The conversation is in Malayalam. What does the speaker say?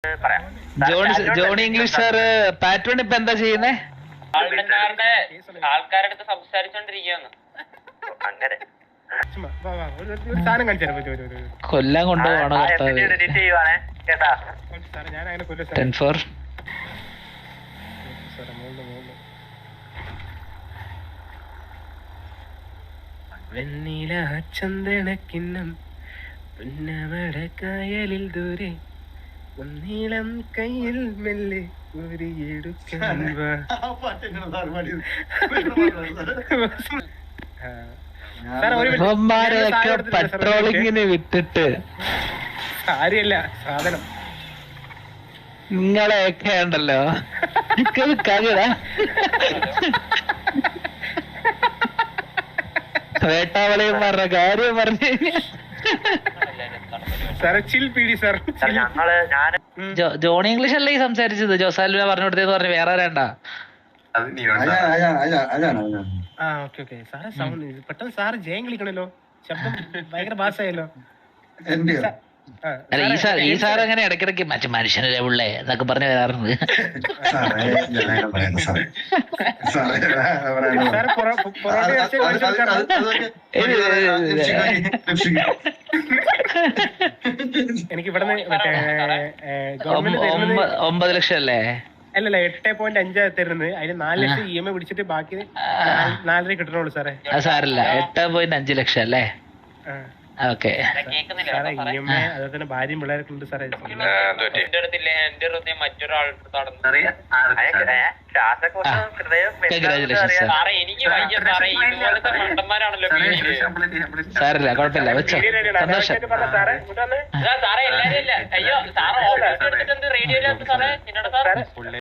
ജോണി ഇംഗ്ലീഷ് സാറ് പാറ്റേൺ ഇപ്പൊ എന്താ ചെയ്യുന്നേ? ആൾക്കാരുടെ അടുത്ത് സംസാരിച്ചോണ്ടിരിക്കുകയാണ്. അങ്ങനെ കൊല്ലാൻ കൊണ്ടുപോകണോ? വെണ്ണില ചന്ദനക്കിണ്ണം പുന്നമടക്കായലിൽ ദൂരെ ഒന്നീളം കയ്യിൽ മെല്ലെ ഊരിയെടുക്കാൻ പെട്രോളിങ്ങിന് വിട്ടിട്ട് കാര്യല്ല സാധനം നിങ്ങളെയൊക്കെ ഉണ്ടല്ലോ കളിടാ. വേട്ടാവളിയും പറഞ്ഞ കാര്യം പറഞ്ഞു. ജോണി ഇംഗ്ലീഷ് അല്ലേ ഈ സംസാരിച്ചത്? ജോസാലുവ പറഞ്ഞു കൊടുത്തേന്ന് പറഞ്ഞു വേറെ ആരാണ്ട? പെട്ടെന്ന് സാറ് ജയം കളിക്കണല്ലോ, ശബ്ദം ഭയങ്കര ബാസായല്ലോ. അല്ല ഈ സാർ അങ്ങനെ ഇടയ്ക്കിടയ്ക്ക് മറ്റു മനുഷ്യനല്ലേ ഉള്ളേ എന്നൊക്കെ പറഞ്ഞു വരാറുണ്ട്. എനിക്ക് ഇവിടെ 9 ലക്ഷം അല്ലേ? അല്ലല്ല 8.5 തരുന്നത്. അതിന് 4 ലക്ഷം EMI പിടിച്ചിട്ട് ബാക്കി 4.5 കിട്ടണുള്ളൂ സാറേ. സാറില്ല 8.5 ലക്ഷം അല്ലേ? ഓക്കെ. EMI അതുപോലെ തന്നെ ഭാര്യയും പിള്ളേരൊക്കെ ഉണ്ട് സാറേ. സാറില്ല കുഴപ്പമില്ല വെച്ചോ. സന്തോഷം. സാറേ എല്ലാരും ഇല്ല. അയ്യോ സാറ് റേഡിയോ